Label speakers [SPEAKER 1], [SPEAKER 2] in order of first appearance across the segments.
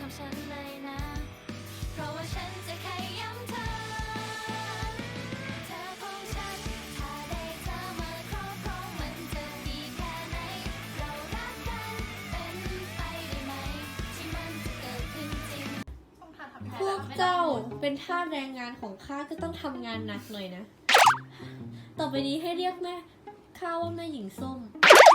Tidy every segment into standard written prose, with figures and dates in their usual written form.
[SPEAKER 1] กับฉันเลยนะเพราะว่าฉันจะขย้ำเธอของฉันถ้าได้เธอมาครอบครองมันจะดีแค่ไหนเรารักกันเป็นไปได้ไหมที่มันจะเกิดขึ้นจริง
[SPEAKER 2] พวกเจ้าเป็นทาสแรงงานของข้าก็ต้องทำงานหนักหน่อยนะต่อไปนี้ให้เรียกแม่ข้าว่าแม่หญิงส้ม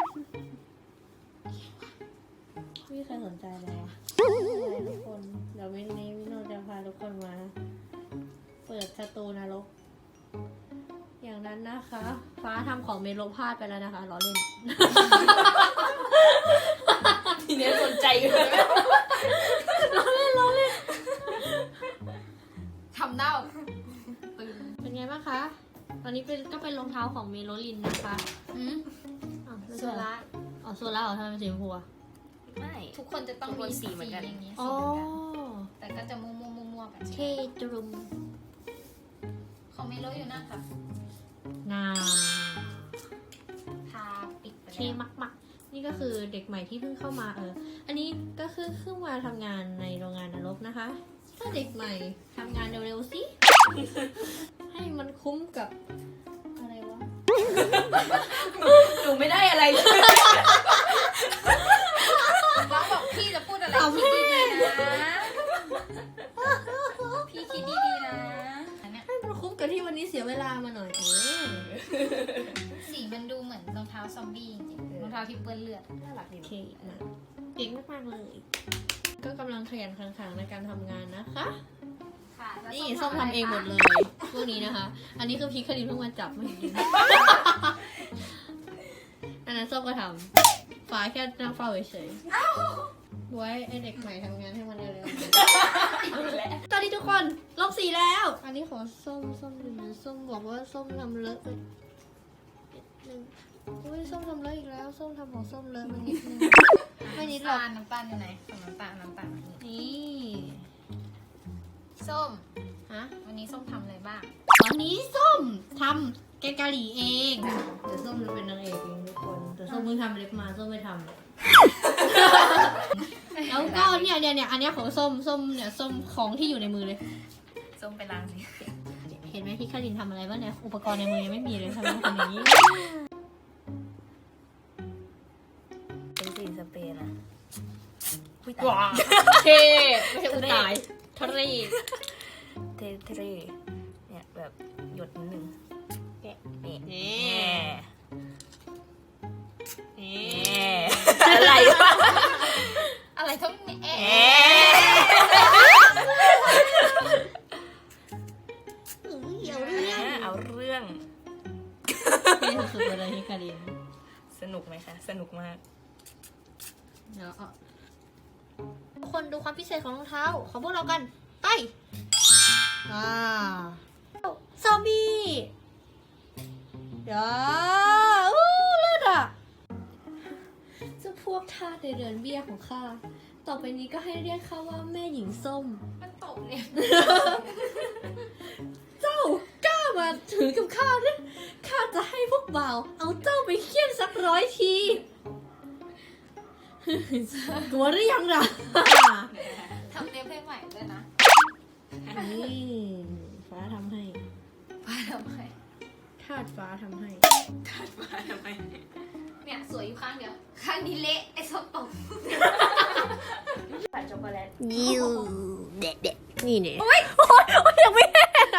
[SPEAKER 2] ไม่มีใครสนใจเลยทุกคนเดี๋ยววันนี้วิโนจะพาทุกคนมาเปิดสตูนรกอย่างนั้นนะคะฟ้าทำของเมโลพลาดไปแล้วนะคะล้อเล่น
[SPEAKER 3] ทีนี้สนใจอยู่เลย
[SPEAKER 2] ล้อเล่น
[SPEAKER 3] ทำหน้า
[SPEAKER 2] เป็นไงบ้างคะตอนนี้ก็เป็นรองเท้าของเมโลลินนะคะ
[SPEAKER 3] โซล่า
[SPEAKER 2] โซล่าเหรอทำไมเป็นสีชมพูอะ
[SPEAKER 3] ไม่ทุกคนจะต้องมีสีเหมือนกัน
[SPEAKER 1] อย่างนี้
[SPEAKER 2] อ๋อ
[SPEAKER 1] แต่ก็จะมั่วๆกัน
[SPEAKER 2] เทตรุม
[SPEAKER 1] ของเมโลอยู่นั่นค่ะทาปิดไปแล้ว
[SPEAKER 2] เทมักนี่ก็คือเด็กใหม่ที่เพิ่งเข้ามาอันนี้ก็คือเพิ่งมาทำงานในโรงงานนรกนะคะถ้าเด็กใหม่ทำงานเร็วๆสิให้มันคุ้มกับอะไรวะ
[SPEAKER 3] หนูไม่ได้อะไรเลย
[SPEAKER 1] บ้าบอกพี่จะพูดอะไรคิดดีๆนะพี่คิดดีๆนะ
[SPEAKER 2] ให้มันคุ้มกับที่วันนี้เสียเวลามาหน่อย
[SPEAKER 1] สีมันดูเหมือนรองเท้าซอมบี้จริงๆรองเท้าที่เปื้อนเลือด
[SPEAKER 3] น่ารักดี
[SPEAKER 2] เก่งมากๆเลยก็กำลังขยันขันในการทำงานนะคะนี่ส้มทำเองหมดเลยพวกนี้นะคะ อันนี้คือพีคคดีเพิ่งมาจับมาจริงอันนั้นส้มก็ทำฟ้าแค่นั่งเฝ้าเฉยๆไว้ไอเด็กใหม่ทำงานให้มันเร็วๆตอนนี้ทุกคนลบสีแล้ว อันนี้ขอส้มดูนะส้มบอกว่าส้มทำเลอะไปนึงอุ้ยส้มทำเลอะอีกแล้วส้มทำของส้มเลอะมันนิดนึงไม่นิดหรอก
[SPEAKER 1] น้ำตาลอยู่ไหนน้ำตาล
[SPEAKER 2] นี่
[SPEAKER 1] ส้ม
[SPEAKER 2] ฮะ
[SPEAKER 1] วันนี้ส้มทำอะไรบ้าง
[SPEAKER 2] วันนี้ส้มทำแกงกะหรี่เองเดี๋ยวส้มจะเป็นนางเอกเองทุกคนแต่ส้มเพิ่งทำเล็บมาส้มไม่ทำแล้วก็เนี่ยอันนี้ของส้มเนี่ยส้มของที่อยู่ในมือเลย
[SPEAKER 3] ส้มไปล้างสิ
[SPEAKER 2] เห็นไหมที่คารินทำอะไรบ้างเนี่ยอุปกรณ์ในมือยังไม่มีเลยทำไมทำอย่างนี้
[SPEAKER 3] เป็นสีสเปรย์นะ
[SPEAKER 2] ว้าเทไม่ใช่อุตายทะเล
[SPEAKER 3] เทเนี่ยแบบหยดนิดนึงนี่อะไรวะ
[SPEAKER 1] อะไรต้อง
[SPEAKER 3] เอาเรื่อง
[SPEAKER 2] ที่สุดเลยที่คาริน
[SPEAKER 3] สนุกไหมคะสนุกมาก
[SPEAKER 2] เดี๋ยวทุกคนดูความพิเศษของรองเท้าของพวกเรากันไปซอมบี้เดี๋ยวเลือดอ่ะเจ้าพวกทาสในเรือนเบี้ยของข้าต่อไปนี้ก็ให้เรียกข้าว่าแม่หญิงส้ม
[SPEAKER 1] มันตกเนี่ย
[SPEAKER 2] เจ้ากล้ามาถือกับข้าเนี่ยข้าจะให้พวกบ่าวเอาเจ้าไปเคี่ยนสัก100 ทีกลัวหรือยังล่ะ
[SPEAKER 1] ทำเล็บให้ใหม่ด้วยนะ
[SPEAKER 2] นี่ฟ้าทำให้
[SPEAKER 1] ทา
[SPEAKER 2] ดฟ้าทำให้
[SPEAKER 1] เนี่ยสวยอยู่ข้างเดียวข้างนี้เละไอ้ส้มตก
[SPEAKER 3] ใส่ช็อกโกแลต
[SPEAKER 2] ยิวเด็ดนี่เนี่ย
[SPEAKER 3] โอ๊ยยังไม่แห้ง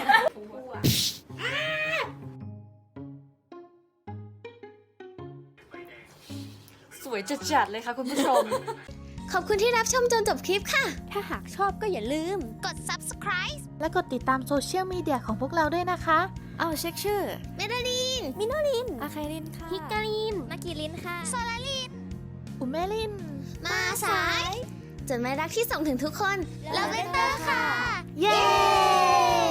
[SPEAKER 3] สวยจัดๆเลยค่ะคุณผู้ชม
[SPEAKER 1] ขอบคุณที่รับชมจนจบคลิปค่ะ
[SPEAKER 4] ถ้าหากชอบก็อย่าลืม
[SPEAKER 1] กด subscribe
[SPEAKER 4] และกดติดตามโซเชียลมีเดียของพวกเราด้วยนะคะ
[SPEAKER 3] เอาเช็คชื่อ
[SPEAKER 1] เมดาลิน
[SPEAKER 4] มิโนลิน
[SPEAKER 3] อาคารินค่ะ
[SPEAKER 4] ฮิกาลิน
[SPEAKER 1] มากิลินค่ะโซลาลิน
[SPEAKER 4] อุเมลิน
[SPEAKER 1] มาสายจดหมายรักที่ส่งถึงทุกคนลาเวนเตอร์ค่ะ
[SPEAKER 4] เย้